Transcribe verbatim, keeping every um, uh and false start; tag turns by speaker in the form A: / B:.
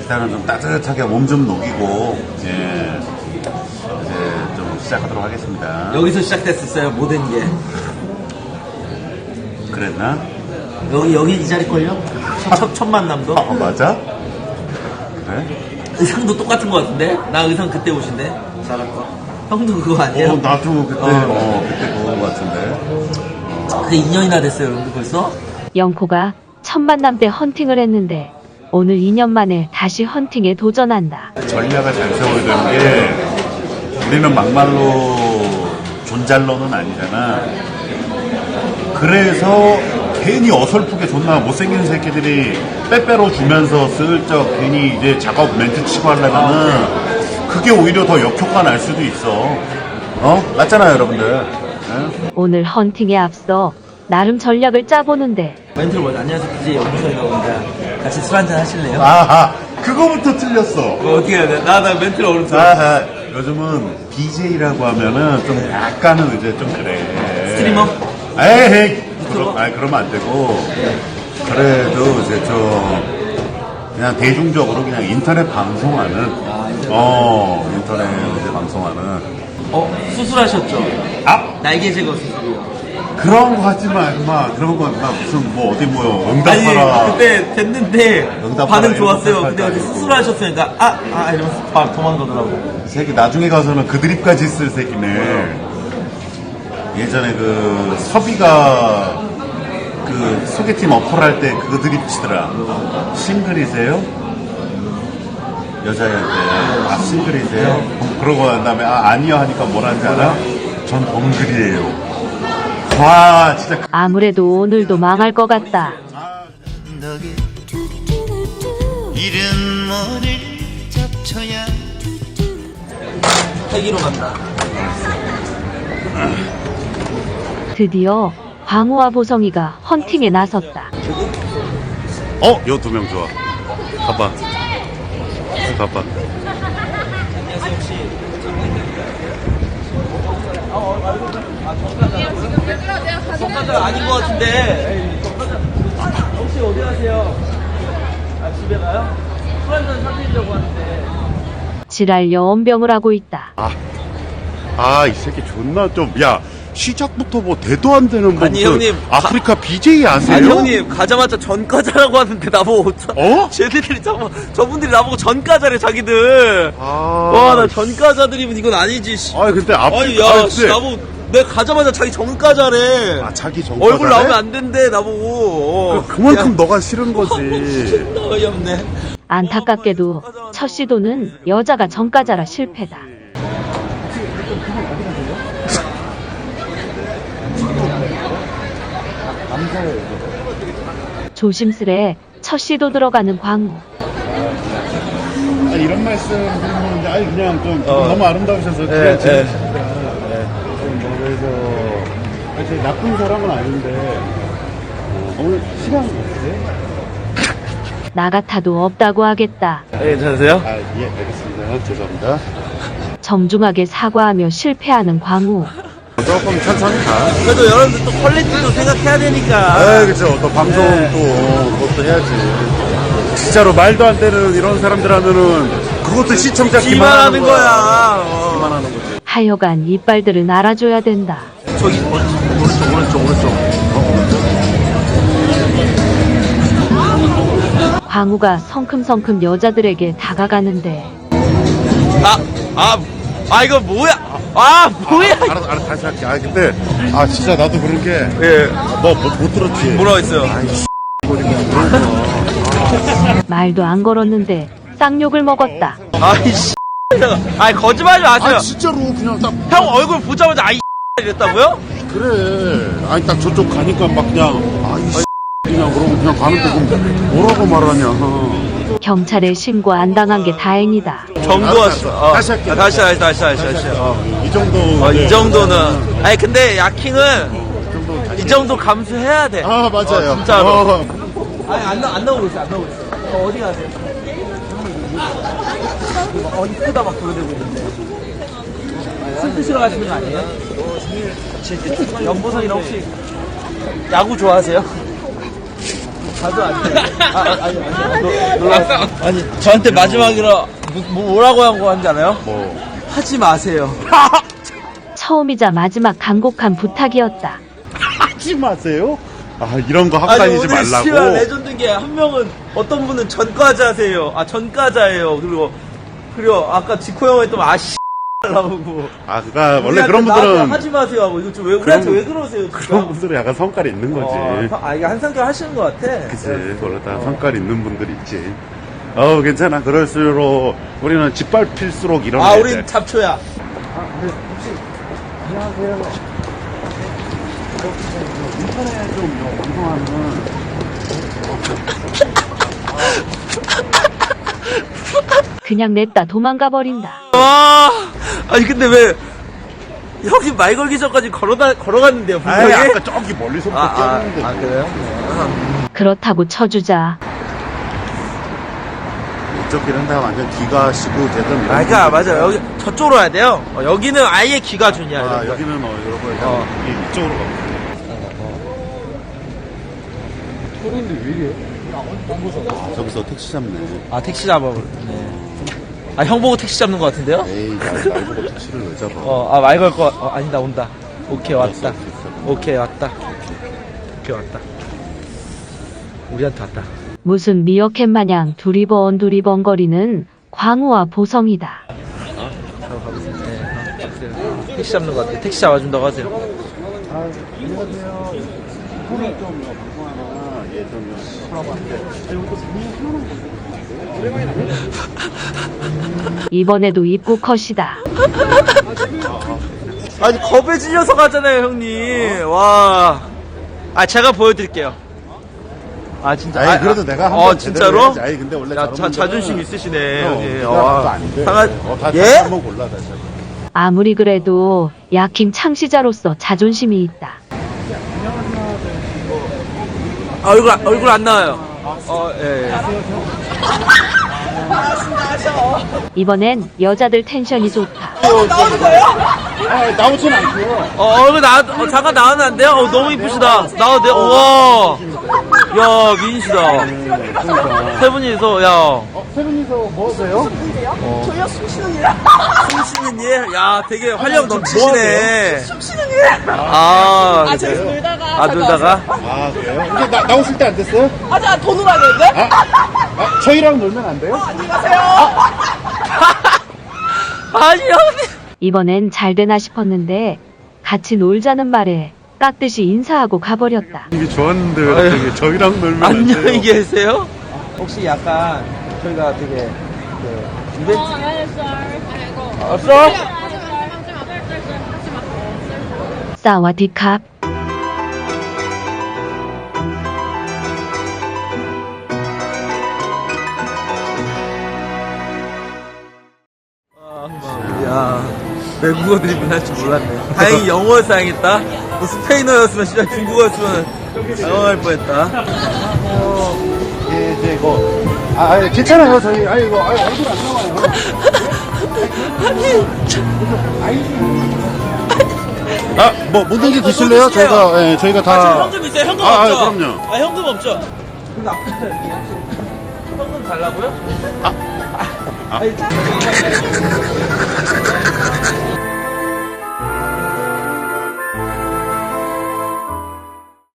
A: 일단은 좀 따뜻하게 몸 좀 녹이고, 예, 이제 좀 시작하도록 하겠습니다.
B: 여기서 시작됐었어요, 모든 게.
A: 그랬나?
B: 여기, 여기 이 자리걸요? 첫, 첫 만남도?
A: 아, 맞아? 그래?
B: 의상도 똑같은 것 같은데? 나 의상 그때 옷인데? 잘할 거. 형도 그거 아니에요?
A: 어, 나도 그때,
B: 어.
A: 어, 그때 그거 같은데.
B: 그게 이 년이나 됐어요, 여러분들 벌써?
C: 영코가 첫 만남 때 헌팅을 했는데 오늘 이 년 만에 다시 헌팅에 도전한다.
A: 전략을 잘 세워야 되는 게 우리는 막말로 존잘러는 아니잖아. 그래서 괜히 어설프게 존나 못생긴 새끼들이 빼빼로 주면서 슬쩍 괜히 이제 작업 멘트 치고 하려면은 그게 오히려 더 역효과 날 수도 있어. 어? 맞잖아요, 여러분들. 네?
C: 오늘 헌팅에 앞서 나름 전략을 짜보는데
B: 멘트를 뭐지? 안녕하세요, 비제이 영수이라고 합니다. 같이 술 한잔 하실래요?
A: 아하, 그거부터 틀렸어.
B: 뭐 어떻게 해야 돼? 나, 나 멘트를 어렵어.
A: 아하, 요즘은 비제이라고 하면은 좀 약간은 이제 좀 그래.
B: 스트리머?
A: 에이, 그럼, 아니, 그러면 안 되고. 그래도 이제 좀, 그냥 대중적으로 그냥 인터넷 방송하는, 어, 인터넷 이제 방송하는.
B: 어, 수술하셨죠?
A: 아!
B: 날개 제거 수술이요.
A: 그런 거 하지 마, 임마. 그런 거, 임마. 무슨, 뭐, 어디 뭐, 응답하라.
B: 아니, 그때 됐는데
A: 응답하라,
B: 반응 좋았어요.
A: 이런
B: 근데
A: 거
B: 어디
A: 아니고.
B: 수술하셨으니까, 아, 아, 이러면서 바로 도망가더라고.
A: 이 새끼 나중에 가서는 그 드립까지 쓸 새끼네. 예전에 그 서비가 그 소개팅 어플 할 때 그 드립 치더라. 싱글이세요? 여자애한테 아 싱글이세요? 그러고 난 다음에 아 아니요 하니까 뭐라는지 알아? 전 벙글이에요. 와 진짜
C: 아무래도 오늘도 망할 것 같다.
D: 이른 머리를 잡쳐야
B: 헬기로 간다.
C: 드디어 광우와 보성이가 헌팅에 나섰다.
A: 어? 요 두 명 좋아. 가봐. 가봐.
B: 안녕하세요, 혹시. 정가자 아닌 것 같은데. 혹시 어디 가세요? 아, 집에 가요? 술 한잔 사드리려고 하는데.
C: 지랄 여원병을 하고 있다.
A: 아 이 새끼 존나 좀 야 시작부터 뭐 대도 안 되는 뭐
B: 아니,
A: 무슨
B: 형님,
A: 아프리카 비제이 아세요?
B: 아니 형님 가자마자 전과자라고 하는데 나보고 어쩌-
A: 어?
B: 쟤들이 저, 저분들이 나보고 전과자래 자기들.
A: 아,
B: 와 나 전과자들이면 이건 아니지. 씨.
A: 아 근데
B: 아니
A: 아프리카
B: 야
A: 아,
B: 씨,
A: 근데
B: 나보고 내가 가자마자 자기 전과자래.
A: 아 자기 정과자래?
B: 얼굴 나오면 안 된대 나보고. 어.
A: 그, 그만큼 너가 싫은 거지.
B: 진짜 어이없네.
C: 안타깝게도 첫 시도는 여자가 전과자라 실패다. 조심스레 첫 시도 들어가는 광우.
A: 아, 이런 말씀 드리는데 아니 그냥 좀
B: 어.
A: 너무 아름다우셔서
B: 예,
A: 그래
B: 예.
A: 재밌습니다. 네. 좀뭐 그래서 사실 나쁜 사람은 아닌데 어, 오늘 시간 어떠세요?
C: 나 같아도 없다고 하겠다.
B: 네, 괜찮으세요?
A: 아 예 알겠습니다. 죄송합니다.
C: 정중하게 사과하며 실패하는 광우.
A: 조금 천천히 가.
B: 그래도 여러분들 또 퀄리티도 생각해야 되니까.
A: 아 그렇죠. 또 방송
B: 네.
A: 또 그것도 해야지. 진짜로 말도 안 되는 이런 사람들 하면은 그것도 시청자
B: 기만하는
A: 기만하는
B: 거야. 어.
A: 기만하는 거지.
C: 하여간 이빨들은 알아줘야 된다.
B: 저기 오른쪽 오른쪽 오른쪽.
C: 광우가 성큼성큼 여자들에게 다가가는데
B: 아, 아, 아 이거 뭐야? 아 뭐야?
A: 알았어 알았어 다시 할게. 아 근데 아 진짜 나도 그런 게
B: 예.
A: 너 못 들었지?
B: 뭐라고 했어요?
C: 말도 안 걸었는데 쌍욕을 먹었다.
B: 아이씨. 아이 거짓말하지 마세요.
A: 아 진짜로 그냥 딱
B: 형 얼굴 보자마자 아이 이랬다고요?
A: 그래. 아니 딱 저쪽 가니까 막 그냥 아이 그냥 그러고 그냥 가는데 그럼 뭐라고 말하냐.
C: 경찰에 신고 안 당한 게 다행이다.
B: 정도였어. 어.
A: 다시 할게요.
B: 아, 다시 다시 다시 다시 다시. 어.
A: 이 정도.
B: 어,
A: 네.
B: 이 정도는. 아니 근데 야킹은
A: 이 정도 다시.
B: 이 정도 감수해야 돼.
A: 아 맞아요.
B: 어, 진짜로.
A: 어.
B: 아니 안, 나, 안 나오고 있어 안 나오고 있어. 어, 어디 가세요? 어 이쁘다 막 돌아다니고 있는데. 술 드시러 가시는 거 아니에요? 연보성이랑 혹시 야구 좋아하세요? 가도 안 돼. 아, 아니, 아니, 아니. 놀- 놀라. 아니, 저한테 마지막으로 뭐, 뭐라고 한 거 한지 알아요?
A: 뭐.
B: 하지 마세요.
C: 처음이자 마지막 간곡한 부탁이었다.
A: 하지 마세요. 아, 이런 거 하고
B: 아니,
A: 다니지
B: 오늘 씨발
A: 말라고.
B: 레전드인 게 한 명은 어떤 분은 전과자세요. 아, 전과자예요. 그리고, 그리고 아까 지코 형 했던 아씨 나오고.
A: 아, 그니까, 원래
B: 우리한테
A: 그런
B: 나한테
A: 분들은,
B: 하지 마세요 하고 이거 좀 왜, 우리한테
A: 그런-
B: 왜 그러세요? 진짜?
A: 그런 분들은 약간 성깔이 있는 거지.
B: 어, 아, 이거 한 성격 하시는 것 같아.
A: 그치. 원래 다 성깔 있는 분들이 있지. 어, 괜찮아. 그럴수록, 우리는 짓밟힐수록 이런
B: 아,
A: 애들.
B: 우린 잡초야.
A: 인터넷 좀 방송하는
C: 그냥 냈다 도망가 버린다.
B: 와, 아니 근데 왜 형님 말 걸기 전까지 걸어다 걸어갔는데요,
A: 아이,
B: 분명히?
A: 아까 저기 멀리서부터
B: 아, 아,
A: 뛰었는데.
B: 아, 그래요?
C: 그렇다고 쳐주자.
A: 이쪽 이런데가 완전 기가 시고 제대로.
B: 아, 그러니까 맞아. 여기 저쪽으로 와야 돼요. 어, 여기는 아예 기가 준이야.
A: 아,
B: 이런 거.
A: 여기는 어, 여러분,
B: 어.
A: 이- 이쪽으로 가. 아, 저기서 택시 잡네.
B: 아, 택시 잡아버렸네. 아, 형 보고 택시 잡는 것 같은데요?
A: 에이, 날, 날 보고 택시를 왜 잡아?
B: 어, 아, 말 걸 거, 어, 아니다, 온다. 오케이, 왔다. 오케이, 왔다. 오케이, 왔다. 우리한테 왔다.
C: 무슨 미어캣 마냥 두리번 두리번거리는 광우와 보성이다.
B: 바로 가보세요. 네, 가보세요. 택시 잡는 것 같아요. 택시 잡아준다고 하세요.
A: 아, 안녕하세요. 오늘 좀 방송하나, 예, 좀 하라고 하는데.
C: 이번에도 입구 컷이다.
B: 아니, 겁에 질려서 가잖아요, 형님. 와. 아, 제가 보여드릴게요. 아, 진짜.
A: 아니,
B: 아,
A: 그래도
B: 아,
A: 내가 한
B: 어,
A: 번
B: 진짜로?
A: 제대로 해야지. 아니, 근데 원래
B: 야,
A: 저런
B: 자,
A: 분들은-
B: 자존심 있으시네,
A: 어,
B: 형님.
A: 네가
B: 와.
A: 하도 안 돼.
B: 상하-
A: 어, 다
B: 예?
A: 다시 한번 골라, 다시 한 번.
C: 아무리 그래도 야킴 창시자로서 자존심이 있다.
B: 아, 얼굴, 안- 얼굴 안 나와요. 어, 예, 예.
C: 이번엔 여자들 텐션이 좋다.
A: 아, 나오진 않고요.
B: 어, 얼굴 나, 어, 잠깐 나오면 안 돼요? 어, 너무 이쁘시다. 나와도 돼요? 우와. 야, 미인이시다. 세 분이서, 야.
A: 어, 세 분이서 뭐 하세요?
E: 저희가 숨 쉬는 일.
B: 숨 쉬는 일? 야, 되게 활력 넘치시네.
E: 숨 쉬는 일.
B: 아,
E: 아, 저희
B: 그래요?
E: 놀다가.
B: 아, 놀다가?
A: 아, 그래요? 근데 나, 나오실 때 안 됐어요?
E: 아, 자, 더 놀아야겠는데?
A: 아, 저희랑 놀면 안 돼요?
E: 안녕히 가세요.
B: 아니, 형님.
C: 이번엔 잘 되나 싶었는데 같이 놀자는 말에 깍듯이 인사하고 가버렸다.
A: 이게 좋았는데 왜
B: 아유.
A: 갑자기 저희랑 놀면 안 돼요?
B: 안녕히 계세요? 혹시 약간 저희가 되게 그 이벤트 없어?
C: 사와디캅.
B: 야, 외국어 드리블 할 줄 몰랐네. 다행히 영어였어 다행했다. 뭐 스페인어였으면 진짜 중국어였으면 당황할 뻔했다.
A: 예, 이제 이거. 아, 아, 괜찮아요. 저희, 아, 이거, 아, 얼굴 안 나와요. 아, 뭐, 묻는지 드실래요? 저희가, 예, 저희가 다.
B: 아, 저 현금 있어요? 현금
A: 아,
B: 없죠?
A: 아, 그럼요.
B: 아, 현금 없죠? 근데 아프다. 현금 달라고요? 아. 아. 아니,